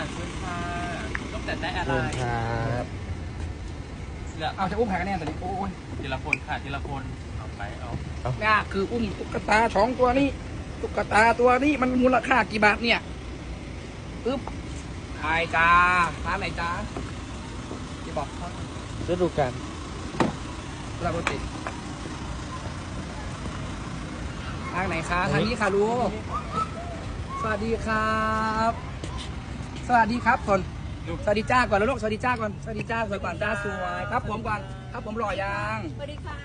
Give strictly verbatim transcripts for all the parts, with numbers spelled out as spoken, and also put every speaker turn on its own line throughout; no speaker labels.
เชิญค่ะต้องแต่ได้อะไร
เชิญครับ
เหลือ
เอาจะอุ้มแผงกันแน่ตอนนี้โอ้ย
ทีละคนค่ะทีละคนเอาไปเอา
เนี่ยคืออุ้มตุ๊กตาสองตัวนี้ตุ๊กตาตัวนี้มันมูลค่ากี่บาทเนี่ยปึ๊บไอจ้าร้านไหนจ้าที่บอกเขา
ฤดูกาล
ปกติทางไหนคะทางนี้ค่ะลูกสวัสดีครับ สวัสดีครับก่อนสวัสดีจ้าก่อนแล้วลูกสวัสดีจ้าก่อนสวัสดีจ้าสวยก่อนจ้าสวยครับผมก่อนครับผมหล่อยัง
สวัสดีค่ะ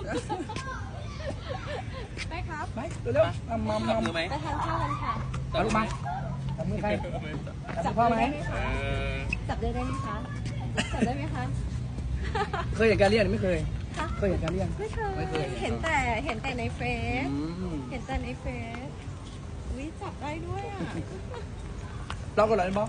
ไปครับ
ไปเร็วๆมามา
จับ
มา
มือไหม
ไปทานข้าวกันค่ะ
เอาลูกมาจับมือใครจับมือพ่อไหม
เออ
จับได้ไหมคะ จับได้ไหมคะ
เคยเห็นการเรียนไม่เคย
คะ
เคยเห็นการเรียน
ไม่เค
ไม่เคย
ย เห็นแต่เห็นแต่ในเฟซ
อืม
เห็นแต่ในเฟซวิจับได้ด้วยอ่ะ
เราก็เลยบอก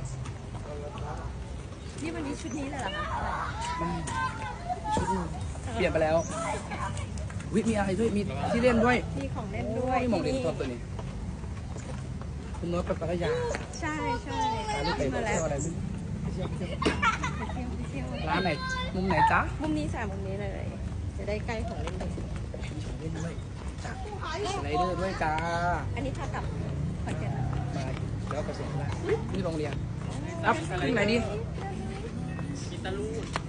นี่วันนี้ชุดนี้เลยเหรอคะ
มันชุดเปลี่ยนไปแล้ววิมีอะไรด้วยมีที่เล่นด้วย
มีของเล่น
โอ้
ด้วย
ยมองเล่นตัวตัวนี้คุณโน้ตไปพัทยา
ใช่ใช่
พาลูกไป
มา
เที่
แล้ว
ยวอะไรไม่รู้
ไปเที่ยวไปเที่ยว
ร้านไหนมุมไหนจ๊ะ
มุมนี้สามมุมนี้เลย จะได้ใกล้ของเล่นเด็ก
มีของเล่นด้วยจ้ะสไลเดอร์ด้วยจ้า
อันนี้พากลับขอนแก่นนะคะ
มาแล้วไปส่งที่ร้านนี่โรงเรียนอัพที่ไหนดี
กิตาลูด